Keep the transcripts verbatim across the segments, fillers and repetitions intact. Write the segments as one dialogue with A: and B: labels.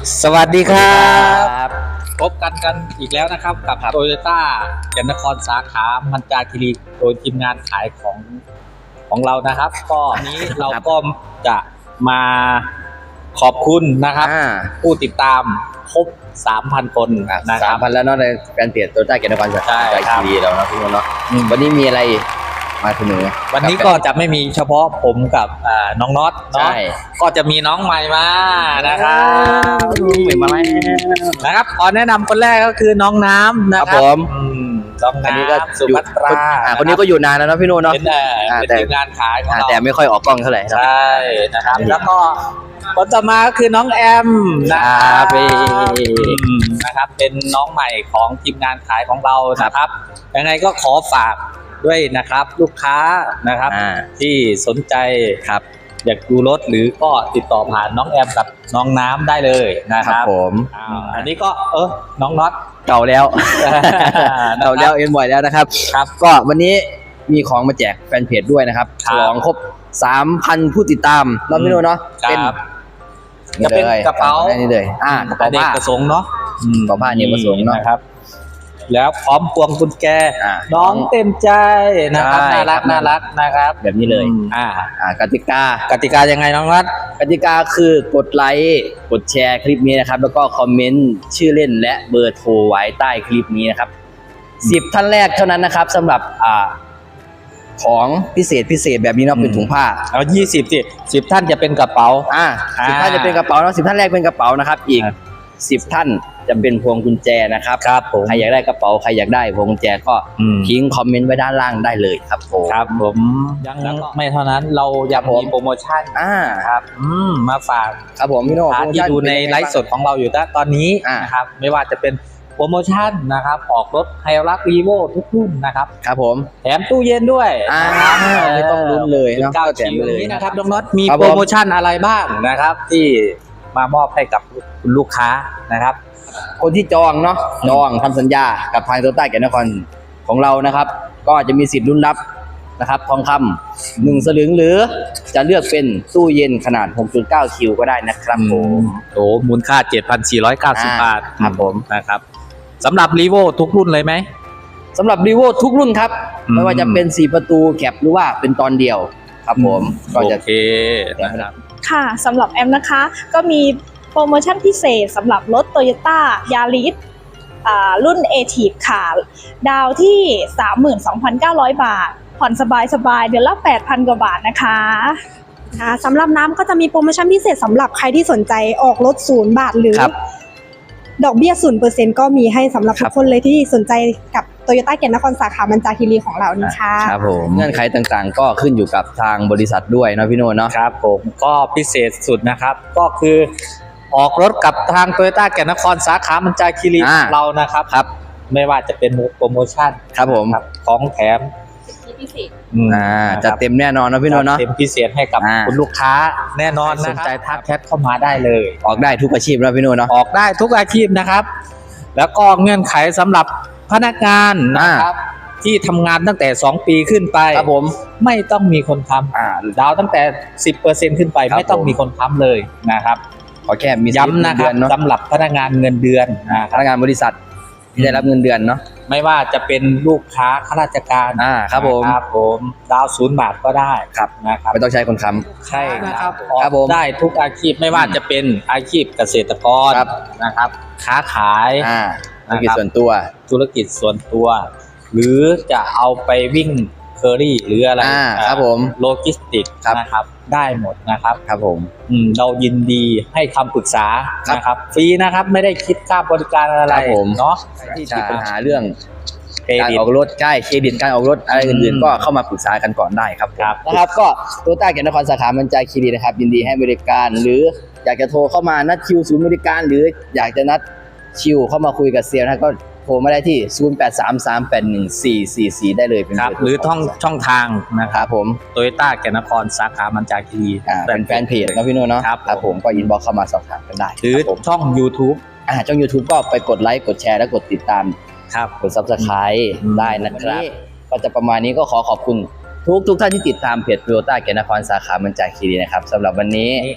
A: สวัสดีครับพบกันกันอีกแล้วนะครับกับโตโยต้าแก่นนครสาขามันจาคีรีโดยทีมงานขายของของเรานะครับก็นี้เราก็จะมาขอบคุณนะครับผู้ติดตามครบ สามพัน คนนะครับ
B: สามพัน แล้วเนาะในแฟนเพจโตโยต้าแก่นนครสาขามันจาคีรีเราเนาะพี่โมเนาะวันนี้มีอะไรมาเสนอ
A: วันนี้ก็จะไม่มีเฉพาะผมกับน้องน็อตเนาะก็จะมีน้องใหม่มานะครับ
B: ใหม่มาแล้ว
A: นะครับขอแนะนำคนแรกก็คือน้องน้ำนะครับผมน้องน้ำสุภัตรา
B: คนนี้ก็อยู่นานแล้วเนาะพี่โนเนาะ
A: เป็นทีมงานขายของเรา
B: แต่ไม่ค่อยออกกล้องเท่าไหร่
A: ใช่นะครับแล้วก็คนต่อมาก็คือน้องแอมนะครับนะครับเป็นน้องใหม่ของทีมงานขายของเรานะครับยังไงก็ขอฝากด้วยนะครับลูกค้านะครับที่สนใจครับอยากดูรถหรือก็ติดต่อผ่านน้องแอมกับน้องน้ำได้เลยนะครับผมอันนี้ก็เออน้องน็อต
B: เก่าแล้วเก่าแล้วเอ็นบ่อยแล้วนะครับครับก็วันนี้มีของมาแจกแฟนเพจด้วยนะครับฉลองครบ สามพัน ผู้ติดตามรอบนี้เนาะ
A: เป็นจะเป็นกระเป๋า
B: นี่เลยอ่ากระเป๋า
A: เด็กประสงค์เนาะ
B: กระเป๋าผ้าเด็กประสงค์เนาะ
A: ครับแล้วพร้อมพวงกุญแจน้องเต็มใจนะครับน่ารักน่ารักนะครับ
B: แบบนี้เลย
A: อ่า
B: อ่ากติกาก
A: ติกายังไงน้องรัฐ
B: กติกาคือกดไลค์กดแชร์คลิปนี้นะครับแล้วก็คอมเมนต์ชื่อเล่นและเบอร์โทรไว้ใต้คลิปนี้นะครับสิบท่านแรกเท่านั้นนะครับสำหรับอ่าของพิเศษพิเศษแบบนี้เนาะเป็นถุงผ้า
A: เอายี่สิบสิสิบท่านจะเป็นกระเป๋า
B: อ่าสิบท่านจะเป็นกระเป๋าเนาะสิบท่านแรกเป็นกระเป๋านะครับอีกสิบท่านจะเป็นพวงกุญแจนะครับครับผมใครอยากได้กระเป๋าใครอยากได้พวงกุญแจก็ทิ้งคอมเมนต์ไว้ด้านล่างได้เลยครับผม
A: ครับผมยังไม่เท่านั้นเรายังมีโปรโมชั่น
B: อ่า
A: ครับอืมมาฝาก
B: ครับผมพี่โน่
A: ที่ดูในไลฟ์สดของเราอยู่ตอนนี้นะครับไม่ว่าจะเป็นโปรโมชั่นนะครับออกรถไฮรักรีโวทุกรุ่นนะครับ
B: ครับผม
A: แถมตู้เย็นด้วย
B: อ่าไม่ต้องลุ้นเลยเนาะ
A: แถมเลยนะครับน้องน็อตมีโปรโมชั่นอะไรบ้างนะครับที่มามอบให้กับคุณลูกค้านะครับ
B: คนที่จองเนาะจองทำสัญญากับทางโตโยต้าแก่นนครของเรานะครับก็จะมีสิทธิ์ลุ้นรับนะครับทองคำหนึ่งสลึงหรือจะเลือกเป็นตู้เย็นขนาด หกจุดเก้า คิวก็ได้นะครับผม
A: โอ้มูลค่า เจ็ดพันสี่ร้อยเก้าสิบ บาท
B: ครับผม
A: นะครับสำหรับรีโวทุกรุ่นเลยไหม
B: สำหรับรีโวทุกรุ่นครับไม่ว่าจะเป็นสี่ประตูแคปหรือว่าเป็นตอนเดียวครับผม
A: ก็จะโอเคนะครับ
C: ค่ะสำหรับแอมนะคะก็มีโปรโมชั่นพิเศษสำหรับรถ Toyota Yaris รุ่น Active ค่ะดาวที่ สามหมื่นสองพันเก้าร้อย บาทผ่อนสบายๆเดือนละ แปดพัน กว่าบาทนะคะสำหรับน้ำก็จะมีโปรโมชั่นพิเศษสำหรับใครที่สนใจออกรถศูนย์บาทหรือดอกเบี้ย ศูนย์เปอร์เซ็นต์ ก็มีให้สำหรับทุกคนเลยที่สนใจกับโตโยต้าแก่นนครสาขามันจาคีรีของเรานี่ค่ะ
B: ครับผมเงื่อนไขต่างๆก็ขึ้นอยู่กับทางบริษัทด้วยนะพี่โน่เนาะ
A: ครับผมก็พิเศษสุดนะครับก็คือออกรถกับทางโตโยต้าแก่นนครสาขามันจาคีรีเรานะครับครับไม่ว่าจะเป็นโปรโมชั่น
B: ครับผม
A: ของแถม
C: พิเศษ
B: อ่าจะเต็มแน่นอนนะพี่โน่เนาะ
A: เต็มพิเศษให้กับคุณลูกค้าแน่นอนสนใจทักแชทเข้ามาได้เลย
B: ออกได้ทุกอาชีพนะพี่โน่เนาะ
A: ออกได้ทุกอาชีพนะครับแล้วก็เงื่อนไขสำหรับพนักงานนะครับที่ทำงานตั้งแต่สองปีขึ้นไป
B: ครับผม
A: ไม่ต้องมีคนค้ำอ่าดาวตั้งแต่ สิบเปอร์เซ็นต์ ขึ้นไปไม่ต้องมีคนค้ำเลยนะครับ
B: ขอแค่มี
A: ย้ำนะครับสำหรับพนักงานเงินเดือน
B: พนักงานบริษัทที่ได้รับเงินเดือนเนาะ
A: ไม่ว่าจะเป็นลูกค้าข้าราชการ
B: อ่าครับผม
A: ครับผมดาวศูนย์บาทก็ได้
B: ครับ
A: นะครับ
B: ไม่ต้องใช้คนค้ำ
A: ใช่นะครับครับผมได้ทุกอาชีพไม่ว่าจะเป็นอาชีพเกษตรกรนะครับค้าขาย
B: อ่าธุรกิจส่วนตัว
A: ธุรกิจส่วนตัวหรือจะเอาไปวิ่งเคอรี่หรืออะไร
B: ครับผม
A: โลจิสติกนะครับได้หมดนะครับ
B: ครับผม
A: เรายินดีให้คำปรึกษานะครับฟรีนะครับไม่ได้คิดค่าบริการอะไรเนาะ
B: ที่มีปัญหาเรื่องการออกรถใช่เครดิตการออกรถอะไรอื่นๆก็เข้ามาปรึกษากันก่อนได้ครับนะครับก็โตโยต้าแก่นนครสาขามันจาคีรีนะครับยินดีให้บริการหรืออยากจะโทรเข้ามานัดคิวศูนย์บริการหรืออยากจะนัดคิวเข้ามาคุยกับเซลล์นะก็โทรมาได้ที่ ศูนย์ แปด สาม สาม แปด หนึ่ง สี่ สี่ สี่ ได้เลยเป็น
A: หรือช่องช่องทางนะครับ
B: ผม
A: โตโยต้าแก่นนครสาขามันจาคีรี
B: เป็นแฟนเพจนะพี่โน่เนาะครับผมก็อินบ็อกซ์เข้ามาสอบถามกันได้
A: หรือช่อง YouTube
B: อ่าช่อง YouTube ก็ไปกดไลค์กดแชร์และกดติดตาม
A: ครับ
B: กด ซับสไครบ์ ได้นะครับก็จะประมาณนี้ก็ขอขอบคุณทุกทุกท่านที่ติดตามเพจโตโยต้าแก่นนครสาขามันจาคีรีนะครับสำหรับวันนี้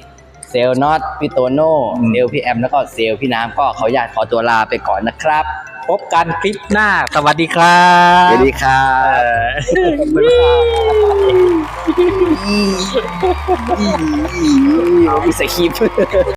B: เซลล์น็อตพี่โตโน่เซลล์พี่แอมแล้วก็เซลล์พี่น้ำก็ขออนุญาตขอตัวลาไปก่อนนะครับ
A: พบกันคลิปหน้าสวัสดีครับ
B: สวัสดีครับ
A: บ๊ายบาย
B: มีสคริปต์